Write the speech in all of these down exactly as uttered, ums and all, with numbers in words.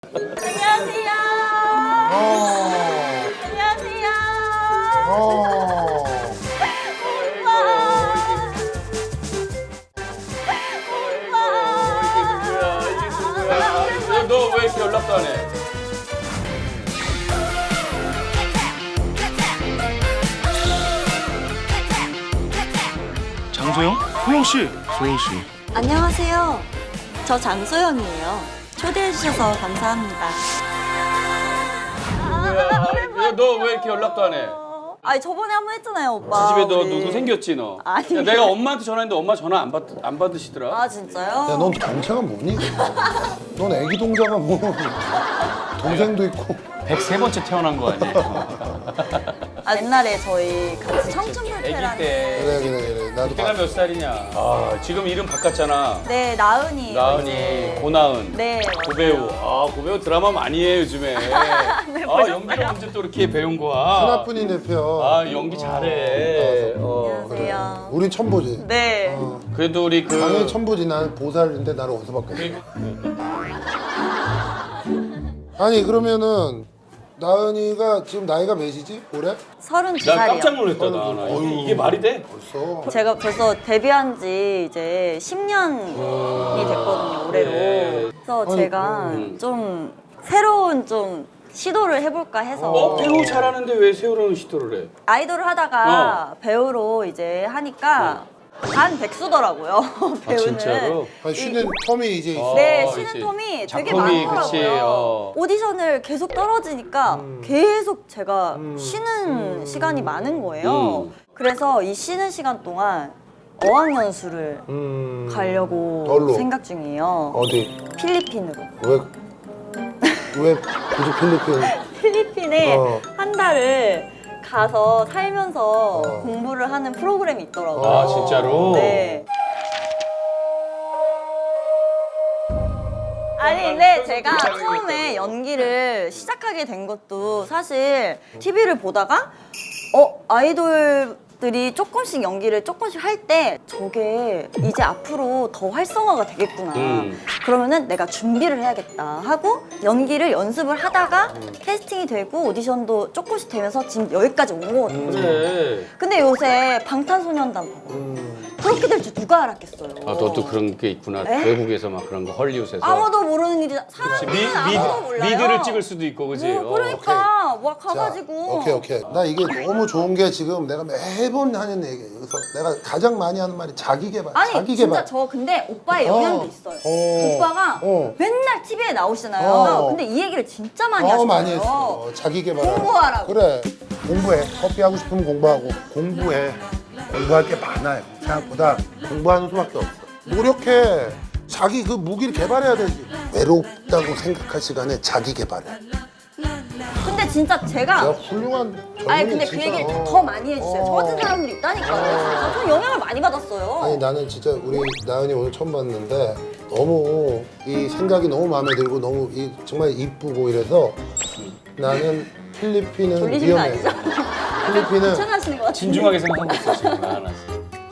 안녕하세요. 어. 안녕하세요. 어. 너 왜 이렇게 연락도 안 해? 장소영? 소영 씨. 소영 씨. 안녕하세요. 저 장소영이에요. 초대해 주셔서 감사합니다. 너 왜 이렇게 연락도 안 해? 아니 저번에 한 번 했잖아요, 오빠. 집에 너 우리. 누구 생겼지 너? 아니. 야, 내가 엄마한테 전화했는데 엄마 전화 안, 받, 안 받으시더라. 아 진짜요? 야, 넌 동생은 뭐니? 넌 애기 동자가 뭐 동생도 있고. 백세 번째 태어난 거 아니에요? 아, 옛날에 저희 같이 청춘불패라는. 아기 때. 그래 그래 그래. 나도 그때가 몇 살이냐? 아 지금 이름 바꿨잖아. 네, 나은이. 나은이, 고나은, 네. 고배우. 아 고배우 드라마 많이 해 요즘에. 아 연기를 언제 또 이렇게 배운 거야? 하나뿐인 내 편. 아 연기 잘해. 어. 안녕하세요. 우린 천보지. 네. 어. 그래도 우리 그 당연히 천보지. 난 보살인데 나를 어디서 바꿨어? 아니 그러면은 나은이가 지금 나이가 몇이지? 올해? 서른두 나 살이요. 깜짝 놀랐다 나. 나. 이게, 이게 말이 돼? 벌써. 제가 벌써 데뷔한 지 이제 십 년이 됐거든요, 올해로. 네. 그래서 아니, 제가 음. 좀 새로운 좀 시도를 해볼까 해서 어 배우 잘하는데 왜 세월호는 시도를 해? 아이돌을 하다가 배우로 이제 하니까 반 백수더라고요, 배우는. 진짜로? 아니, 쉬는 텀이 이제 있어. 네, 어, 쉬는 이제 텀이 되게 작품이, 많더라고요. 그치, 어. 오디션을 계속 떨어지니까 음. 계속 제가 쉬는 시간이 많은 거예요. 음. 그래서 이 쉬는 시간 동안 어학연수를 음. 가려고 어디로? 생각 중이에요. 어디? 필리핀으로. 왜? 왜 굳이 필리핀? 필리핀에 어. 한 달을 가서 살면서 어. 공부를 하는 프로그램이 있더라고요. 아 진짜로? 네. 아니 근데 제가 처음에 연기를 시작하게 된 것도 사실 티비를 보다가 어 아이돌들이 조금씩 연기를 조금씩 할 때 저게 이제 앞으로 더 활성화가 되겠구나. 음. 그러면은 내가 준비를 해야겠다 하고 연기를 연습을 하다가 캐스팅이 되고 오디션도 조금씩 되면서 지금 여기까지 온 거거든요. 그래. 근데 요새 방탄소년단 봐봐. 음. 그렇게 될 줄 누가 알았겠어요. 아 너도 그런 게 있구나. 에? 외국에서 막 그런 거 헐리우드에서. 아무도 모르는 일이 그치, 사람은 미, 아무도 몰라요. 미, 미드를 찍을 수도 있고 그지? 뭐, 그러니까 와 자, 가가지고 오케이 오케이. 나 이게 너무 좋은 게 지금 내가 매번 하는 얘기예요. 그래서 내가 가장 많이 하는 말이 자기 개발. 아니 자기 진짜 개발. 저 근데 오빠의 영향도 어. 있어요. 어. 오빠가 어. 맨날 티비에 나오시잖아요. 어. 근데 이 얘기를 진짜 많이 어 하시잖아요. 많이 했어. 자기 개발. 공부하라고. 그래. 공부해. 커피 하고 싶으면 공부하고. 공부해. 공부할 게 많아요. 생각보다 공부하는 수밖에 없어. 노력해. 자기 그 무기를 개발해야 되지. 외롭다고 생각할 시간에 자기 개발해. 근데 진짜 제가 내가 훌륭한 젊은이 아니 근데 그 진짜. 얘기를 어. 더 많이 해주세요. 저 어. 같은 사람들이 있다니까요. 진짜 저 영향을 많이 받았어요. 아니 나는 진짜 우리 나은이 오늘 처음 봤는데 너무 이 생각이 너무 마음에 들고 너무 이 정말 이쁘고 이래서 나는 필리핀은 졸리신 거 위험해. 아니죠? 필리핀은 괜찮으시는 것 같은데. 진중하게 생각하고 있어 지금. 아, 나.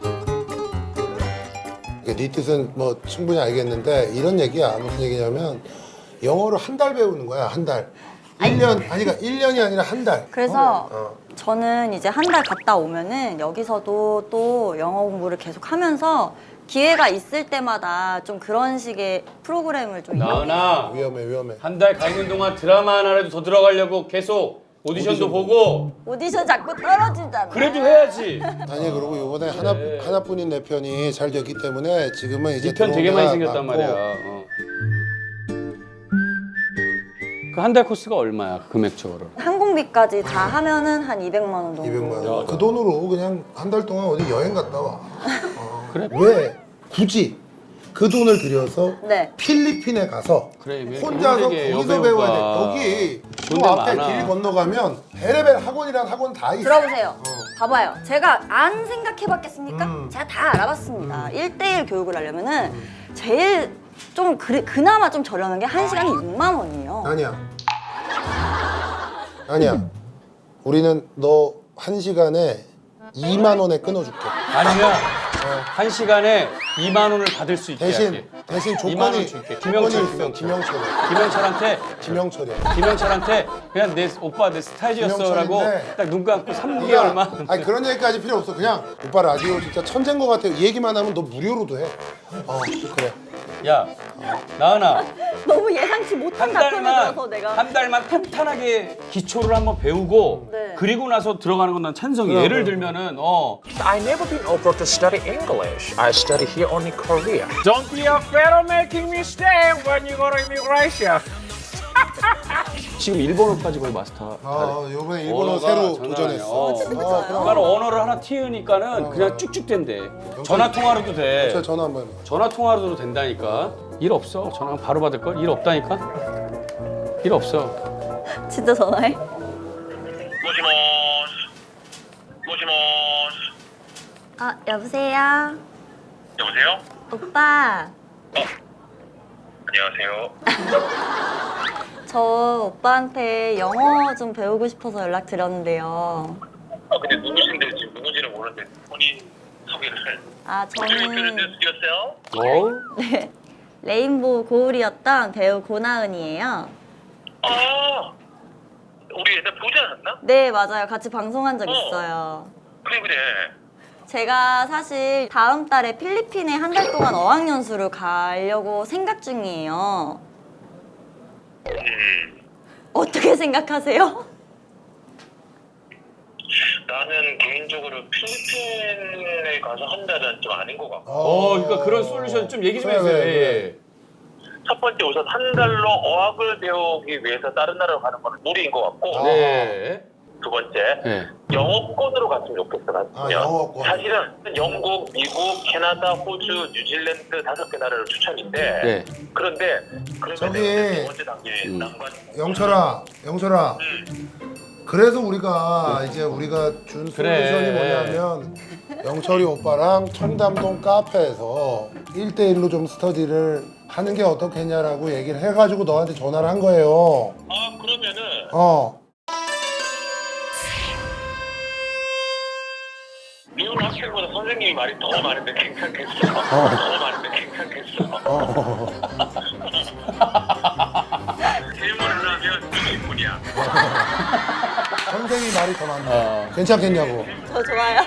네 뜻은 뭐 충분히 알겠는데 이런 얘기야. 무슨 얘기냐면 영어를 한 달 배우는 거야. 한 달. 일 년 아니 그러니까 일 년이 아니라 한 달. 그래서 어. 저는 이제 한 달 갔다 오면은 여기서도 또 영어 공부를 계속 하면서 기회가 있을 때마다 좀 그런 식의 프로그램을 좀 나은아 위험해 위험해. 한 달 가 있는 동안 드라마 하나라도 더 들어가려고 계속 오디션도 오디션 보고 오디션 자꾸 떨어지잖아. 그래도 해야지. 아니 그리고 이번에 하나 하나뿐인 내 편이 잘 됐기 때문에 지금은 이제 이 편 되게 많이 들어온 데가 생겼단 많고. 말이야. 어. 그 한 달 코스가 얼마야 금액적으로? 항공비까지 다 하면은 한 이백만 원 정도. 이백만 야, 원. 그 돈으로 그냥 한 달 동안 어디 여행 갔다 와. 어. 그래? 왜 굳이 그 돈을 들여서 네. 필리핀에 가서 그래, 왜 혼자서 되게 거기서 여배우가 배워야 돼. 여기 좋은 그 데 앞에 많아. 길 건너가면 베레벨 학원이란 학원 다 있어. 들어보세요. 봐봐요. 제가 안 생각해봤겠습니까? 음. 제가 다 알아봤습니다. 일 대일 교육을 하려면은 제일 좀 그래, 그나마 좀 저렴한 게 한 시간에 육만 원이에요. 아니야. 아니야. 우리는 너 한 시간에 이만 원에 끊어줄게. 아니면 한 시간에 이만 원을 받을 수 있게 대신 할게. 대신 이만 원 조건이 줄게. 조건이 김영철, 있어. 김영철. 김영철이. 김영철한테 김영철이야. 김영철한테 그냥 내 오빠 내 스타일이었어라고 김영철인데 딱 눈 감고 삼 네가- 개월만. 아니 그런 얘기까지 필요 없어. 그냥 오빠 라디오 진짜 천재인 것 같아. 이 얘기만 하면 너 무료로도 해. 어 그래. 야, 나은아. 너무 예상치 못한 한 답변을 달만 들어서 내가 한 달만 탄탄하게 기초를 한번 배우고 네. 그리고 나서 들어가는 건 난 찬성이. 그래, 예를 그래. 들면은 어 I never been offered to study English. I study here only Korea. Don't be afraid of making mistake when you go to immigration. 지금 일본어까지 거의 마스터. 아 이번에 일본어 언어가 새로 장난 도전했어. 아니야. 어. 진짜요? 그러니까 언어를 하나 튀으니까는 그냥 쭉쭉 된대. 전화 통화로도 돼. 저 전화 한번 해봐. 전화 통화로도 된다니까. 일 없어. 전화 바로 받을 걸. 일 없다니까. 일 없어. 진짜 전화해? 모시모시 모시모시 아 여보세요? 여보세요? 오빠 안녕하세요. 저 오빠한테 영어 좀 배우고 싶어서 연락드렸는데요. 아 근데 누구신데 지금 누군지는 모르는데 본인 소개를 아 Introduce 저는 yourself? 어? 네, 레인보우 고울이었던 배우 고나은이에요. 아 우리 옛날 보지 않았나? 네 맞아요. 같이 방송한 적 어. 있어요. 그래 그래. 제가 사실 다음 달에 필리핀에 한 달 동안 어학연수를 가려고 생각 중이에요. 음 어떻게 생각하세요? 나는 개인적으로 필리핀에 가서 한 달은 좀 아닌 것 같고 어, 그러니까 그런 솔루션 좀 얘기 좀 그래, 해주세요. 그래, 예. 첫 번째 우선 한 달로 어학을 배우기 위해서 다른 나라로 가는 건 무리인 것 같고 아. 네. 두 번째 네. 영어권으로 갔으면 좋겠어. 아, 갔으면. 영어권. 사실은 영국, 미국, 캐나다, 호주, 뉴질랜드 다섯 개 나라를 추천인데 네. 그런데 그러면 저기- 두 번째 단계 음. 난관. 영철아, 영철아. 음. 그래서 우리가 이제 우리가 준 그래. 솔루션이 뭐냐면 영철이 오빠랑 청담동 카페에서 일 대일로 좀 스터디를 하는 게 어떻겠냐라고 얘기를 해가지고 너한테 전화를 한 거예요. 아 그러면은 어. 미운 학생보다 선생님이 말이 더 많은데 괜찮겠어. 더 많은데 괜찮겠어. 어. 질문을 하면 육십 분이야. 선생이 말이 더 많다. 어. 괜찮겠냐고. 저 좋아요.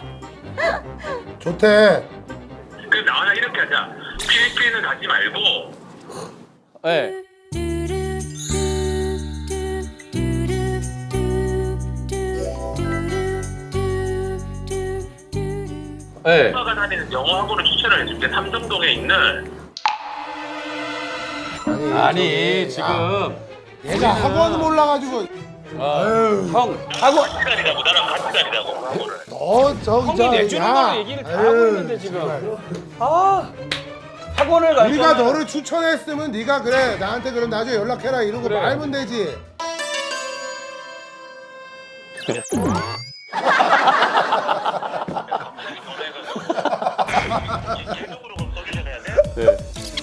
좋대. 그 나와나 이렇게 하자. 필리핀은 가지 말고 네. 네. 오빠가 다니는 영어 학원을 추천을 해줄게. 삼성동에 있는. 아니, 아니 저기, 지금 아, 얘가 학원 몰라가지고 어, 아유. 형 학원 같이 다니자고 나랑 같이 다니자고 학원을. 너 저기 형이 저, 내주는 야. 거로 얘기를 다 하고 아유, 있는데 지금. 정말. 아 학원을 갈 우리가 거면- 너를 추천했으면 네가 그래 나한테 그럼 나중에 연락해라 이러고 그래. 말면 되지. 계속으로 그럼 솔루션 해야 돼? 네.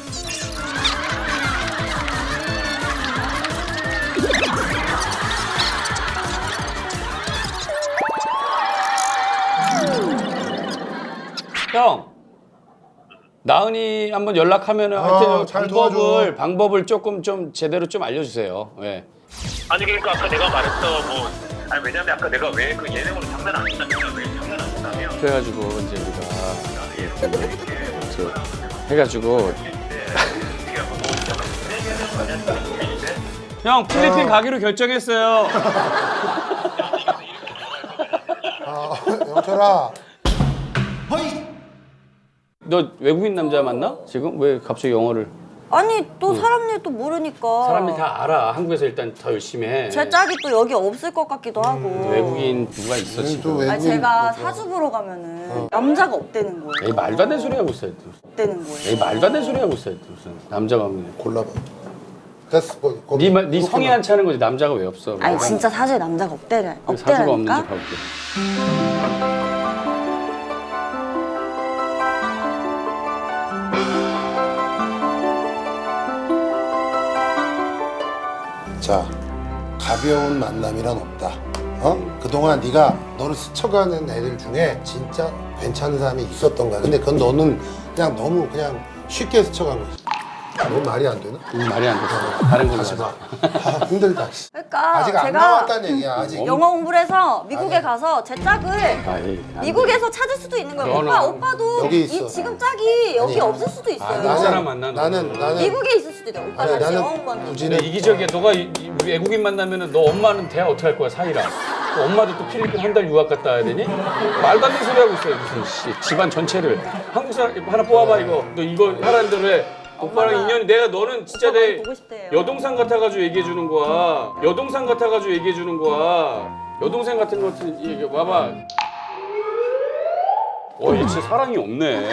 형, 나은이 한번 연락하면 어, 하여튼 잘 방법을 도와줘. 방법을 조금 좀 제대로 좀 알려주세요. 예. 아니 그러니까 아까 내가 말했어 뭐 아니 왜냐면 아까 내가 왜 그 예능으로 장난 안 친다면 왜 장난 안 친다면 그래가지고 이제 우리가 저 해가지고 형 필리핀 어. 가기로 결정했어요. 아, 영철아. 너 외국인 남자 만나? 지금 왜 갑자기 영어를? 아니 또 사람 일도 모르니까. 사람이 다 알아. 한국에서 일단 더 열심히 해. 제 짝이 또 여기 없을 것 같기도 하고. 외국인 누가 있어 또 지금? 외국인 아니 제가 그거. 사주 보러 가면은 남자가 없대는 거예요. 에이 말도 안 되는 소리 하고 있어요. 없대는 거예요. 에이 말도 안 되는 소리 하고 있어요. 무슨 남자가 없네. 골라봐. 됐어. 거기, 거기. 네, 말- 네 그렇게 성이 말- 안 차는 거지 남자가 왜 없어? 아니 진짜 사주에 남자가 없대라. 사주가 없는지 없대라니까. 봐볼게. 자, 가벼운 만남이란 없다. 어? 그동안 네가 너를 스쳐가는 애들 중에 진짜 괜찮은 사람이 있었던 거야. 근데 그건 너는 그냥 너무 그냥 쉽게 스쳐간 거지. 너무 말이 안 되나? 음, 말이 안 됐어. 다른 걸로 다시 하자. 봐. 아, 힘들다. 씨. 그러니까 아직 안 제가 나왔다는 얘기야. 아직. 영어 공부를 해서 미국에 아니. 가서 제 짝을 아, 예. 안 돼. 미국에서 찾을 수도 있는 거예요. 너는 오빠, 오빠도 여기 이 있어. 지금 짝이 여기 아니. 없을 수도 아, 있어요. 나 사람 만나, 나는 너는. 나는 미국에 있을 수도 있어요. 오빠 아니, 같이 영어 나는 공부하는 굳이- 근데 이기적이야. 너가 이, 이 외국인 만나면은 너 엄마는 대화 어떻게 할 거야, 사이랑. 또 엄마도 또 필리핀 한 달 유학 갔다 와야 되니? 말도 안 되는 소리 하고 있어요. 무슨 씨, 집안 전체를. 한국 사람 하나 뽑아봐 이거. 너 이거 하라는 대로 해. 오빠랑 엄마가- 인연이 내가 너는 진짜 오빠 내 많이 보고 싶대요. 여동생 같아가지고 얘기해 주는 거야. 여동생 같아가지고 얘기해 주는 거야. 여동생 같은 것 같은 얘기 봐봐. 어, 얘 진짜 사랑이 없네.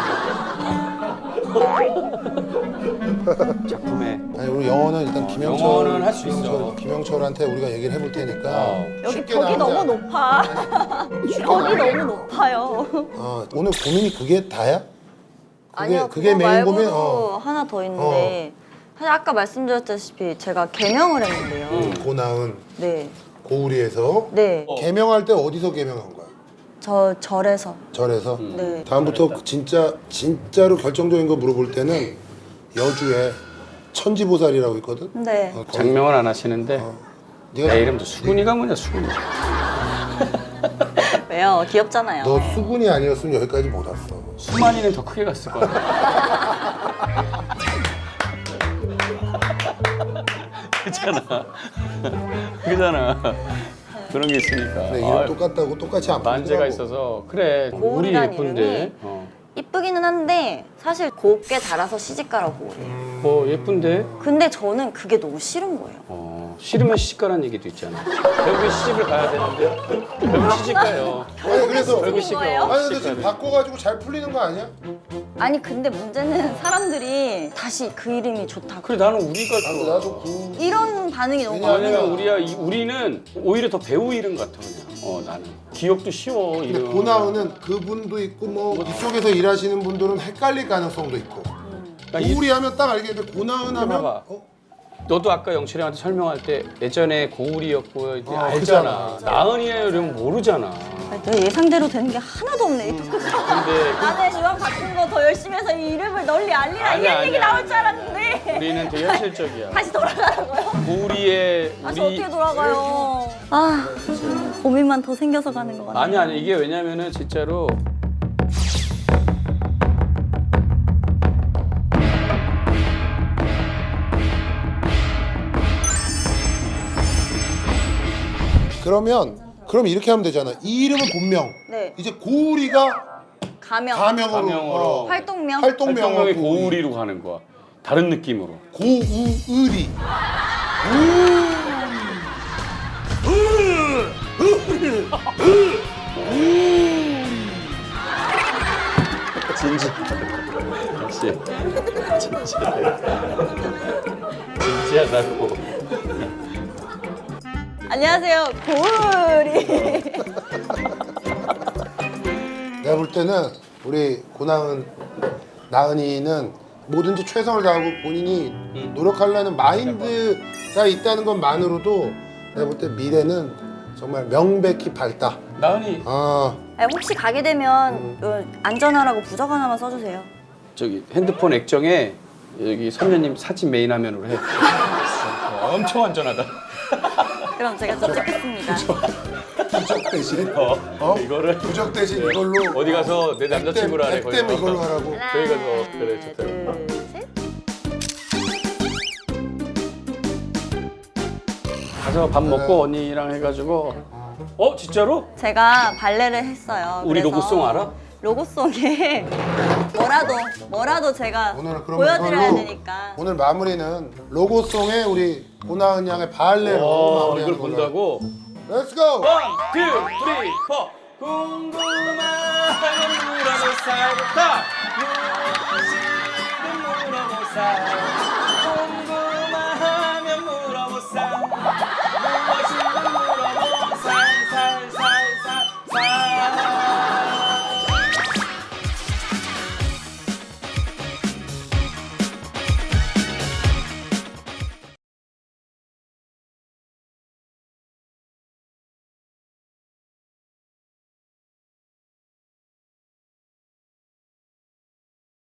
작품에. 아니 우리 영어는 일단 김영철 영어는 할수 있어. 김영철, 김영철한테 우리가 얘기를 해볼 테니까 어. 여기 쉽게 벽이 나오지 너무 않- 높아. 쉽게 벽이 나오지 너무 않아. 높아요. 어, 오늘 고민이 그게 다야? 그게 아니요, 그게 그거 메인 말고도 고민. 어. 하나 더 있는데 사실 아까 말씀드렸다시피 제가 개명을 했는데요. 음. 고나은 네, 고우리에서 네, 개명할 때 어디서 개명한 거야? 저 절에서. 절에서. 네. 다음부터 그 진짜 진짜로 결정적인 거 물어볼 때는 여주에 천지보살이라고 있거든. 네. 어, 거기- 장명은 안 하시는데 네가 내 이름도 수근이가 뭐냐 수근이. 왜요? 귀엽잖아요. 너 수군이 아니었으면 여기까지 못 왔어. 수만이는 더 크게 갔을 거야. 그잖아. 그잖아. 그런 게 있으니까. 근데 이름 아유, 똑같다고 똑같이 안 만재가 보이더라고. 있어서 그래. 우리 고울이란 예쁜데. 이름이 어. 이쁘기는 한데 사실 곱게 달아서 시집가라고 해요. 뭐 예쁜데. 근데 저는 그게 너무 싫은 거예요. 어, 싫으면 시집가라는 얘기도 있잖아. 결국에 시집을 가야 되는데 결국 시집 가요. 아니 그래서 결국 시집인 거예요? 아니 근데 시집 지금 가야 바꿔가지고 잘 풀리는 거 아니야? 아니 근데 문제는 사람들이 다시 그 이름이 좋다고 그래 나는 우리가 나도 좋아. 나도 그 이런 반응이 너무 왜냐면- 많아요. 왜냐면 우리야 이- 우리는 오히려 더 배우 이름 같아 그냥. 어 나는 기억도 쉬워 근데 이름. 고나은은 그분도 있고 뭐 이쪽에서 일하시는 분들은 헷갈릴 가능성도 있고. 그러니까 이- 고우리 하면 딱 알겠는데 고나은 하면 봐봐. 어? 너도 아까 영철이 형한테 설명할 때 예전에 고울이었고 이제 어, 알잖아. 그잖아. 나은이에요 이러면 모르잖아. 아니, 내 예상대로 되는 게 하나도 없네. 이 토크가. 근데 나는 유학 바꾼 거 더 열심히 해서 이 이름을 널리 알리라 아니야, 이런 얘기 아니야. 나올 줄 알았는데 우리는 되게 현실적이야. 다시 돌아가라고요? 고울이의 아, 저 우리 어떻게 돌아가요? 아, 고민만 더 생겨서 가는 것 같아요. 아니 아니 이게 왜냐면은 진짜로 그러면 그럼 이렇게 하면 되잖아. 이 이름은 본명. 네. 이제 고우리가 가명, 가명으로, 가명으로. 어, 활동명. 활동명으로 활동명이 고우리. 고울이로 가는 거야. 다른 느낌으로. 고우의리. 진지. 역시 진지. 진지하다고. 안녕하세요, 고울이. 내가 볼 때는 우리 고나은 나은이는 뭐든지 최선을 다하고 본인이 노력하려는 마인드가 있다는 것만으로도 내가 볼 때 미래는 정말 명백히 밝다. 나은이 아, 아니, 혹시 가게 되면 어, 안전하라고 부적 하나만 써주세요. 저기 핸드폰 액정에 여기 선녀님 사진 메인 화면으로 해. 어, 엄청 안전하다. 그럼 제가 좀 찍겠습니다. 부적 대신 어, 어? 이거를 부적 대신 이걸로 어디 가서 내 남자친구라 해. 백댐 이걸로 하라고. 저희 가서 그래 좋다. 둘, 셋. 가서 밥 먹고 언니랑 해가지고. 어 진짜로? 제가 발레를 했어요. 우리 그래서 로고송 알아? 로고송에 뭐라도 뭐라도 제가 오늘 그럼 보여드려야 이걸로 되니까. 오늘 마무리는 로고송에 우리 고나은 양의 발레로 어, 마무리하는 이걸 걸로. 본다고? Let's go. 원, 투, 쓰리, 포. 궁금한 물어볼 살다 무엇이든 물어볼 살